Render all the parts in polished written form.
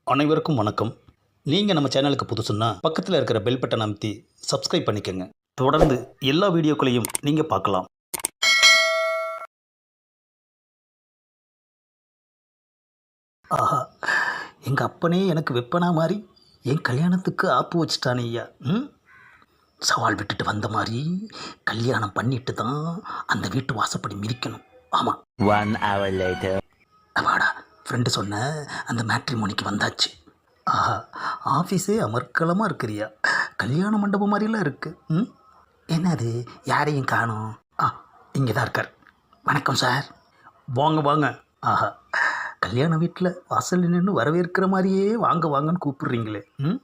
அனைவருக்கும் வணக்கம். நீங்கள் நம்ம சேனலுக்கு புதுசுன்னா பக்கத்தில் இருக்கிற பெல் பட்டன் அமைத்தி சப்ஸ்கிரைப் பண்ணிக்கோங்க. தொடர்ந்து எல்லா வீடியோக்களையும் நீங்கள் பார்க்கலாம். ஆஹா, எங்கள் அப்பனே எனக்கு வெப்பனா மாதிரி என் கல்யாணத்துக்கு ஆப்பு வச்சுட்டானே ஐயா. சவால் விட்டுட்டு வந்த மாதிரி கல்யாணம் பண்ணிட்டு தான் அந்த வீட்டு வாசப்படி மிதிக்கணும். ஆமாம். 1 hour later. அப்பாடா, ஃப்ரெண்டு சொன்ன அந்த மேட்ரிமோனிக்கு வந்தாச்சு. ஆஹா, ஆஃபீஸே அமர்க்கலமாக இருக்கிறியா. கல்யாண மண்டபம் மாதிரிலாம் இருக்குது. என்னது, யாரையும் காணோம். இங்கே தான் இருக்கார். வணக்கம் சார். வாங்க வாங்க. ஆஹா, கல்யாண வீட்டில் வாசல் நின்று வரவேற்கிற மாதிரியே வாங்க வாங்கன்னு கூப்பிடுறீங்களே.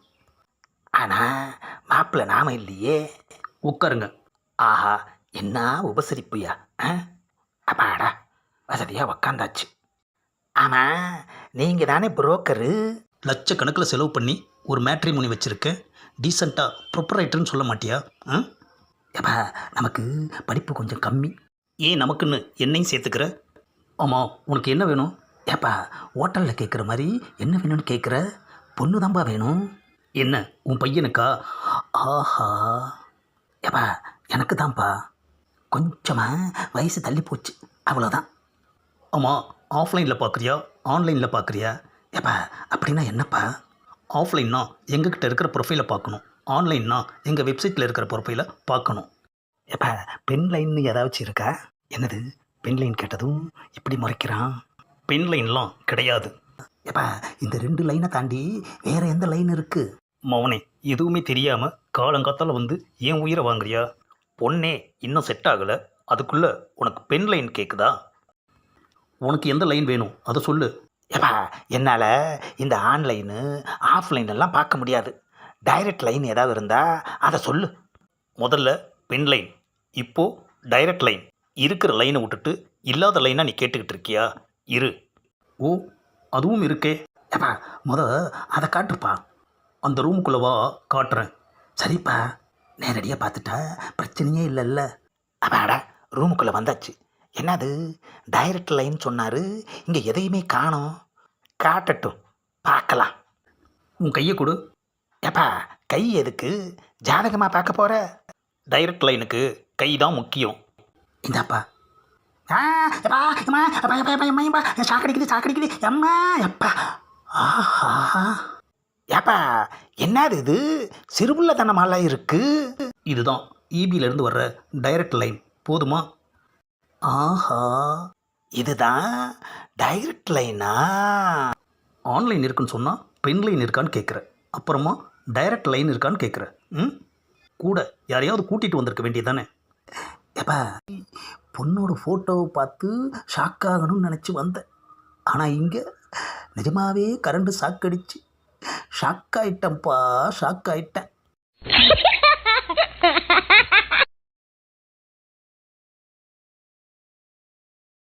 ஆனால் மாப்பிள்ளை நாம இல்லையே. உட்காருங்க. ஆஹா, என்ன உபசரிப்புயா. அப்பாடா, வசதியாக உக்காந்தாச்சு. ஆமாம், நீங்கள் தானே புரோக்கரு. லட்சக்கணக்கில் செலவு பண்ணி ஒரு மேட்ரிமோனி வச்சுருக்கேன். டீசெண்டாக ப்ரொப்பரைட்டர்னு சொல்ல மாட்டியா? ஏப்பா, நமக்கு படிப்பு கொஞ்சம் கம்மி. ஏன் நமக்குன்னு என்னையும் சேர்த்துக்கிற? ஆமாம், உனக்கு என்ன வேணும்? ஏப்பா, ஹோட்டலில் கேட்குற மாதிரி என்ன வேணும்னு கேட்குற? பொண்ணு தான்ப்பா வேணும். என்ன, உன் பையனுக்கா? ஆஹா, ஏப்பா எனக்கு தான்ப்பா. கொஞ்சமாக வயசு தள்ளி போச்சு, அவ்வளோதான். ஆமாம், ஆஃப்லைனில் பார்க்குறியா ஆன்லைனில் பார்க்குறியா? ஏப்பா அப்படின்னா என்னப்பா? ஆஃப்லைன்னா எங்ககிட்ட இருக்கிற ப்ரொஃபைலை பார்க்கணும், ஆன்லைன்னா எங்கள் வெப்சைட்டில் இருக்கிற ப்ரொஃபைலை பார்க்கணும். ஏப்பா, பென் லைன்னு ஏதாச்சும் இருக்கா? என்னது, பென் லைன் கேட்டதும் இப்படி முறைக்கிறான். பென் லைன்லாம் கிடையாது. ஏப்பா, இந்த 2 லைனை தாண்டி வேறு எந்த லைன் இருக்குது? மவனே, எதுவுமே தெரியாமல் காலங்காத்தால் வந்து ஏன் உயிரை வாங்குறியா? பொண்ணே இன்னும் செட் ஆகலை, அதுக்குள்ளே உனக்கு பென் லைன் கேட்குதா? உனக்கு எந்த லைன் வேணும் அதை சொல்லு. ஏப்பா, என்னால் இந்த ஆன்லைனு ஆஃப்லைனெல்லாம் பார்க்க முடியாது. டைரக்ட் லைன் ஏதாவது இருந்தால் அதை சொல்லு. முதல்ல பென் லைன், இப்போது டைரக்ட் லைன். இருக்கிற லைனை விட்டுட்டு இல்லாத லைனாக நீ கேட்டுக்கிட்டு இருக்கியா? இரு. ஓ, அதுவும் இருக்கே. ஏப்பா, அதை காட்டுப்பா. அந்த ரூமுக்குள்ளவா, காட்டுறேன். சரிப்பா, நேரடியாக பார்த்துட்டா பிரச்சனையே இல்லைல்ல. அப்பாடா, ரூமுக்குள்ளே வந்தாச்சு. என்னது, டைரக்ட் லைன் சொன்னார், இங்கே எதையுமே காணோம். காட்டட்டும், பார்க்கலாம். உன் கையை கொடு. ஏப்பா, கை எதுக்கு? ஜாதகமாக பார்க்க போகிற? டைரக்ட் லைனுக்கு கை தான் முக்கியம். இந்தாப்பா. சாக்கடிக்குது எம்மா எப்பா. ஆஹா, ஏப்பா என்னது இது, சிறுபுள்ளத்தனமாலாம் இருக்குது. இதுதான் இபியிலேருந்து வர்ற டைரக்ட் லைன். போதுமா? ஆஹா, இதுதான் டைரக்ட் லைனா? ஆன்லைன் இருக்குன்னு சொன்னால் பென் லைன் இருக்கான்னு கேட்குற, அப்புறமா டைரக்ட் லைன் இருக்கான்னு கேட்குற. கூட யாரையாவது கூட்டிகிட்டு வந்திருக்க வேண்டியதானே. ஏப்பா, பொண்ணோட ஃபோட்டோவை பார்த்து ஷாக் ஆகணும்னு நினச்சி வந்தேன். ஆனால் இங்கே நிஜமாகவே கரண்ட் ஷாக் ஷாக் ஆகிட்டேன்ப்பா, ஷாக் ஆகிட்டேன்.